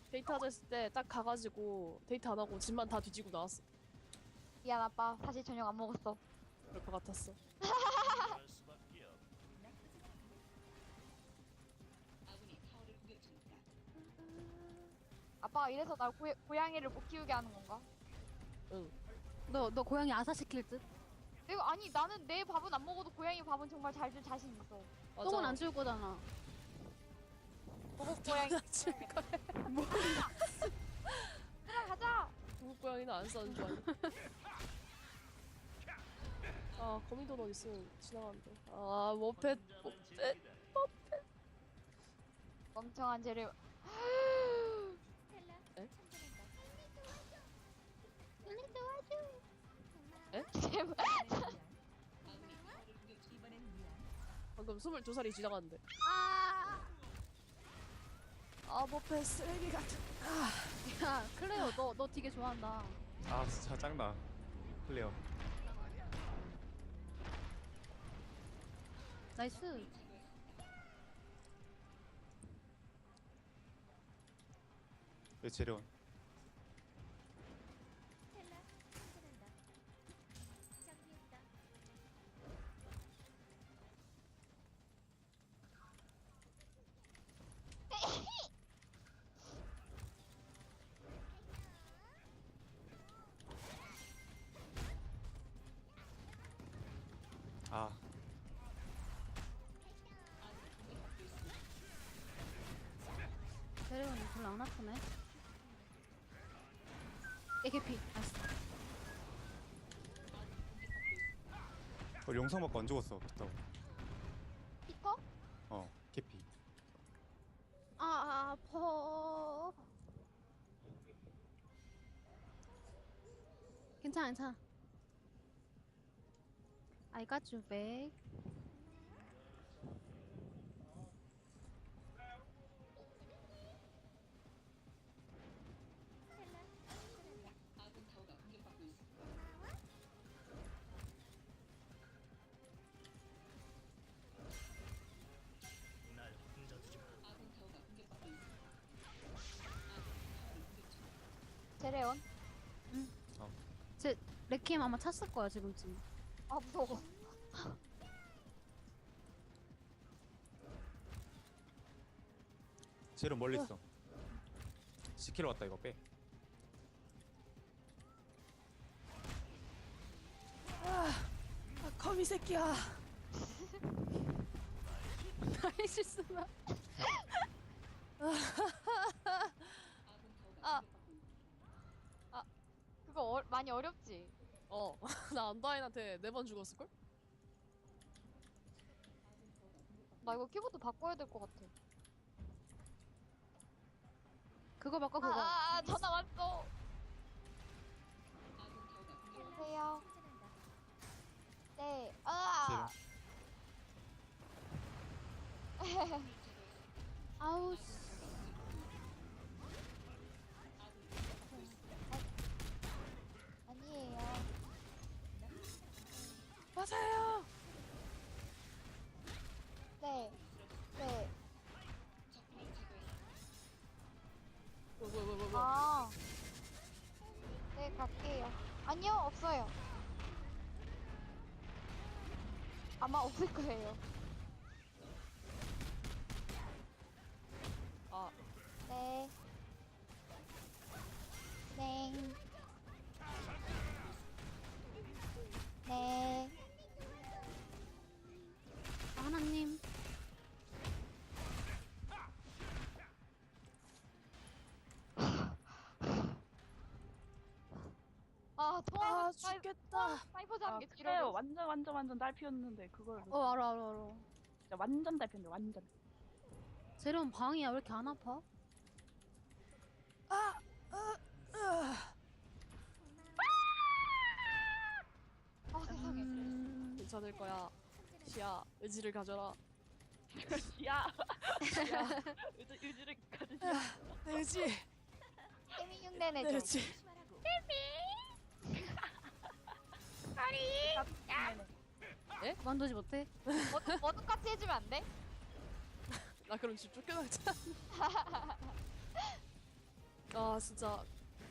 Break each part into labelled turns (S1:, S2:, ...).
S1: 데이트하자 했을 때 딱 가가지고 데이트 안 하고 집만 다 뒤지고 나왔어.
S2: 미안 아빠 사실 저녁 안 먹었어.
S1: 그럴 것 같았어.
S2: 아빠가 이래서 날 고양이를 못 키우게 하는 건가?
S1: 응.
S3: 너 고양이 아사시킬 듯?
S2: 내가 아니 나는 내 밥은 안 먹어도 고양이 밥은 정말 잘 줄 자신 있어.
S1: 맞아.
S3: 똥은 안 줄 거잖아.
S2: 보고 고양이
S1: 줄 거야.
S2: 들어가자.
S1: 중국 고양이는 안 싸는 줄 알고. 아, 거미돈 있으면 지나가는데. 아, 머펫.
S2: 멍청한 쟤를.
S1: 에? 에?
S2: 제발.
S1: 방금 22살이 지나갔는데. 머펫 쓰레기 같은.
S3: 야, 클레어, 너 되게 좋아한다.
S4: 아 진짜 짱나 클레어.
S3: 나이스.
S4: 왜 재련? 아
S3: 데레온이 별로 안 아프네. 애기피. 나이스.
S4: 용성 맞고 안 죽었어 그렇다고.
S2: 피터?
S4: 캐피.
S3: 아파. 괜찮아, 괜찮아. I got you back.
S2: 제레온?
S3: 제 레퀴엠 아마 찼을 거야 지금쯤.
S2: 아 무서워.
S4: 재련 멀리 있어. 10km 왔다 이거 빼.
S1: 거미 새끼야.
S3: 나의 실수나.
S2: 그거 많이 어렵지?
S1: 나 안다인한테 4번 죽었을걸?
S2: 나 이거 키보드 바꿔야 될 것 같아.
S3: 그거 바꿔 그거.
S2: 전화 왔어. 여보세요. 네.
S3: 아우 씨.
S2: 아니에요.
S1: 맞아요.
S2: 네. 네.
S1: 뭐.
S2: 아. 네, 갈게요. 아니요, 없어요. 아마 없을 거예요.
S1: 아,
S2: 네. 네. 네.
S3: 하나님.
S2: 통화
S1: 죽겠다.
S2: 사이버 잡는 게
S5: 그래요.
S2: 길어요.
S5: 완전 딸 피웠는데 그걸
S3: 알아.
S5: 진짜 완전 딸 피웠는데 완전.
S3: 제레온 방이야 왜 이렇게 안 아파?
S2: 세상에.
S1: 괜찮을 거야. 시야, 의지를 가져라.
S5: 야, 의지를 가지지.
S1: 내 의지.
S2: 세미 흉내내줘.
S1: 내 의지.
S3: 만두지 못해?
S2: 머드같이 해주면 안 돼?
S1: 나 그럼 집 쫓겨나겠다. 아 진짜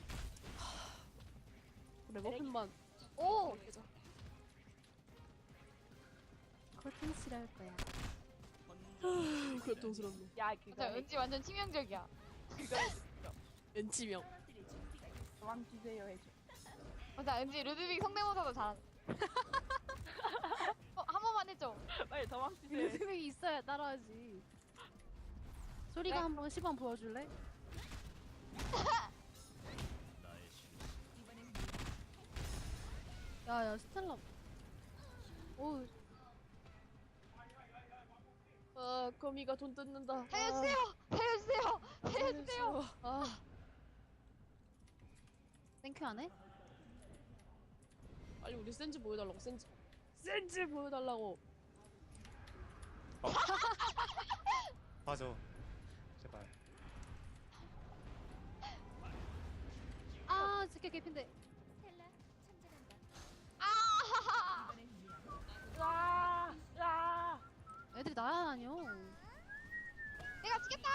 S1: 레버핀만
S2: 오!
S1: 깨자.
S3: 콜텐치를 할 거야.
S1: 고통스럽네.
S5: 야
S2: 맞아,
S5: 그거
S2: 은지 완전 치명적이야.
S1: 엔치명.
S5: 도망치세요 해줘.
S2: 맞아, 은지 루드빅 성대모사도 잘하네. 한 번만 해줘.
S5: 빨리 도망치세요.
S3: 리듬이 있어야 따라하지. 소리가
S2: 네.
S3: 한번 시범 보여줄래? 야야 스텔라. 오
S1: 아 거미가 돈 뜯는다.
S2: 살려주세요! 살려주세요! 살려주세요!
S1: 아
S3: 땡큐 안 해?
S1: 빨리 우리 센즈 보여달라고. 센즈 보여달라고.
S4: 맞아. 제발.
S3: 아 진짜 개핀데.
S2: 아!
S5: 으아! 으아!
S3: 애들이 날아다녀.
S2: 내가 지겠다!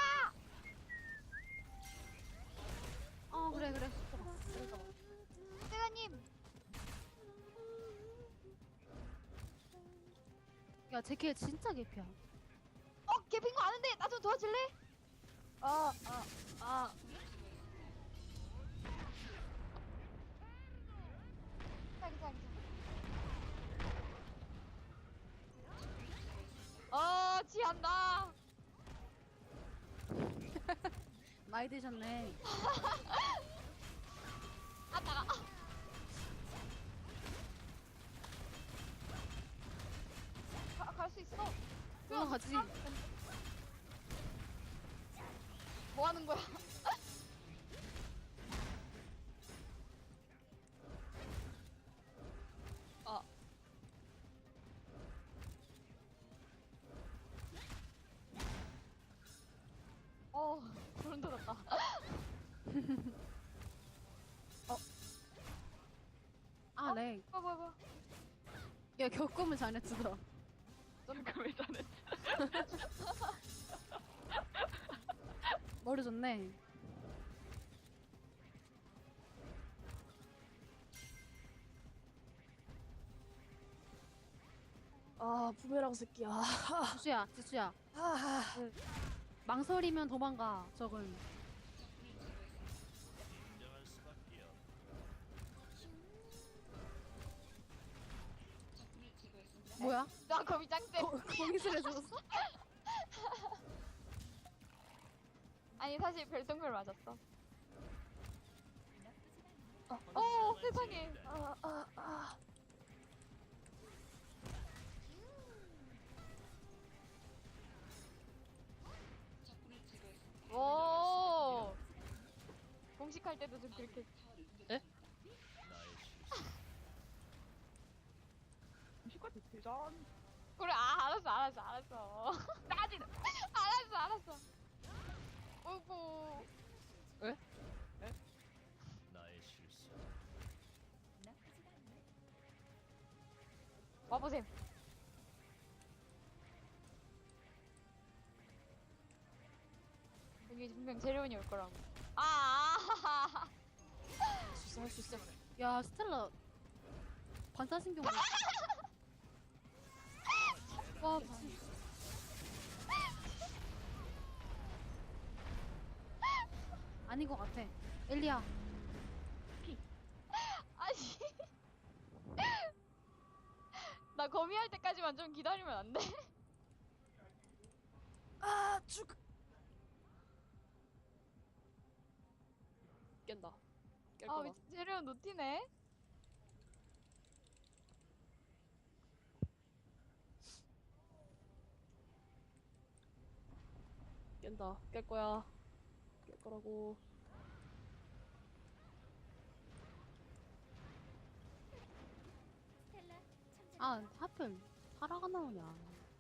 S3: 어 그래 그래.
S2: 세가님!
S3: 야 제킬 진짜 개피야.
S2: 개핀 거 아는데 나 좀 도와줄래?
S1: 아
S2: 괜찮아. 지한다.
S3: 많이 드셨네.
S2: 아, 나가. 갈 수 있어.
S3: 올라가지.
S2: 뭐 하는 거야?
S1: 아.
S2: 소름 돋았다.
S3: 아 렉.
S2: 뭐야.
S3: 야 겪으면 잘했어.
S5: 잠깐 왜 잘했지?
S3: 머리 좋네.
S1: 아 부메랑 새끼야.
S3: 지수야.
S1: 아,
S3: 망설이면 도망가. 적은. 뭐야?
S2: 나 거미 짱대.
S3: 거미술에 죽었어?
S2: 아니 사실 별똥별 맞았어. 세상에. 오. 공식할 때도 좀 그렇게.
S5: 음식과 대전.
S2: 그래, 알았어.
S5: 짜증.
S2: 알았어. 어이구. 와보셈. 여기 분명 재료원이 올 거라고. 할
S1: 할 수 있어.
S3: 야 스텔라 반사신경. 와 미친. 아닌 것 같아. 엘리야.
S2: 아니. 나 거미 할 때까지만 좀 기다리면 안 돼?
S1: 아 죽. 깬다. 깰 거다.
S2: 미친 재료원 노티네.
S1: 깬다. 깰 거야. 깰 거라고.
S3: 아 하필 타라가 나오냐.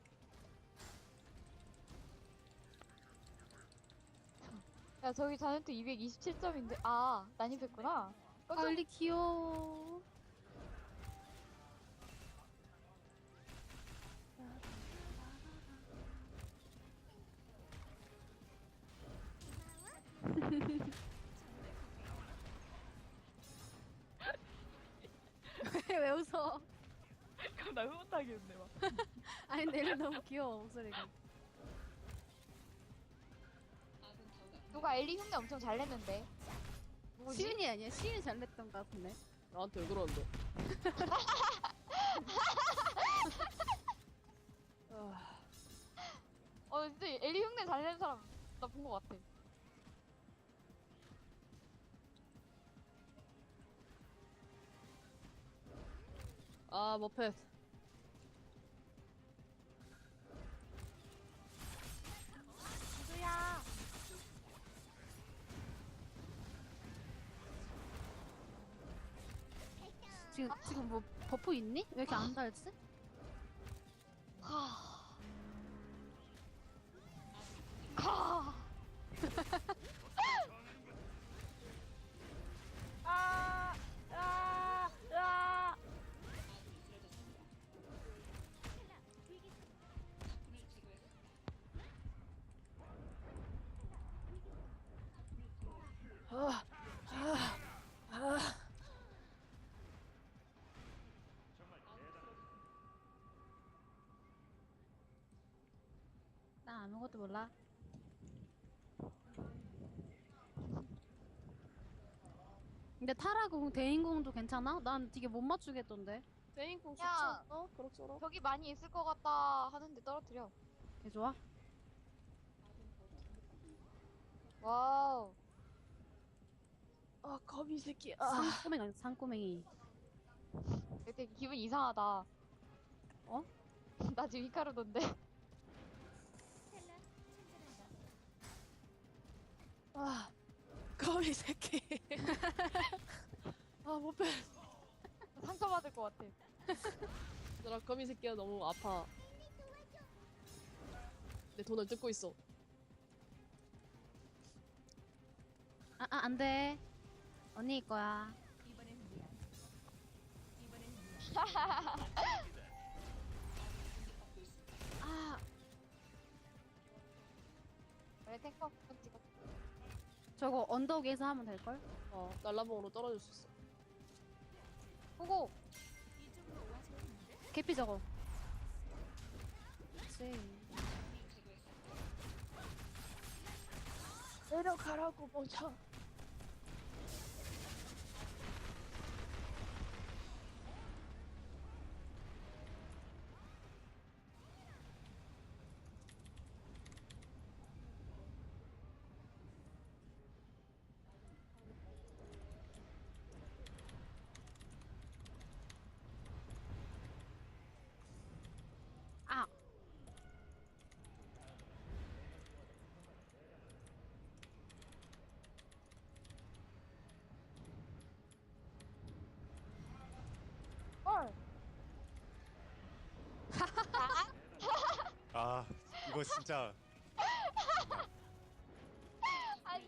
S2: 야, 저기 자네트 227점인데. 난입했구나.
S3: 아 엘리 귀여워.
S5: 하겠네 막.
S3: 아니 근데 엘리 너무 귀여워 목소리가.
S2: 누가 엘리 흉내 엄청 잘 냈는데. 누구지?
S3: 시윤이 아니야? 시윤이 잘 냈던 것 같은데.
S1: 나한테 왜 그러는데?
S2: 진짜 엘리 흉내 잘 내는 사람 나 본 것 같아.
S1: 아 머펫.
S5: 누구야?
S3: 지금 뭐 버프 있니? 왜 이렇게 안 달지?
S5: 아, 아, 아.
S3: 나 아무것도 몰라. 근데 타라공 대인공도 괜찮아? 난 되게 못 맞추겠던데.
S1: 페인공 좋지
S2: 야.
S1: 않아? 그럭저럭.
S2: 벽이 많이 있을 것 같다 하는데 떨어뜨려.
S3: 개 좋아?
S2: 와우.
S1: 아 거미 새끼.
S3: 산꼬맹이 아니야 산꼬맹이.
S2: 되게 기분 이상하다.
S3: 어?
S2: 나 지금 히카루던데.
S1: 아 거미 새끼. 아 머펫.
S2: 상처받을 것 같아.
S1: 나 거미 새끼가 너무 아파. 내 돈을 뜯고 있어.
S3: 안 돼. 언니 거야. 아,
S2: 왜 탱커 한번 찍어.
S3: 저거 언덕 위에서 하면 될걸?
S1: 날라봉으로 떨어질 수 있어.
S2: 보고.
S3: 개피 저거. 그치.
S1: 내려가라고 멍청.
S3: 아,
S2: 헐.
S4: 아 이거 진짜
S2: 아니.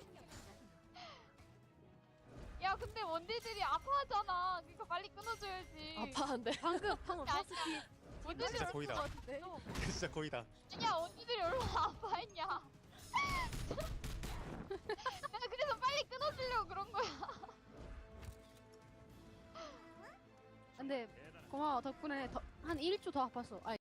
S2: 야 근데 원딜들이 아파하잖아. 그러니까 빨리 끊어줘야지.
S1: 아파한데.
S3: 방금
S2: 아니야.
S3: 버스피.
S2: 원딜들이
S4: 진짜
S2: 얼마나
S4: 거의다.
S3: 같은데?
S4: 진짜 거의다.
S2: 아니야 언니들이 얼마나 아파했냐. 내가 그래서 빨리 끊어주려고 그런 거야.
S3: 근데 고마워 덕분에 한 1초 더 아팠어.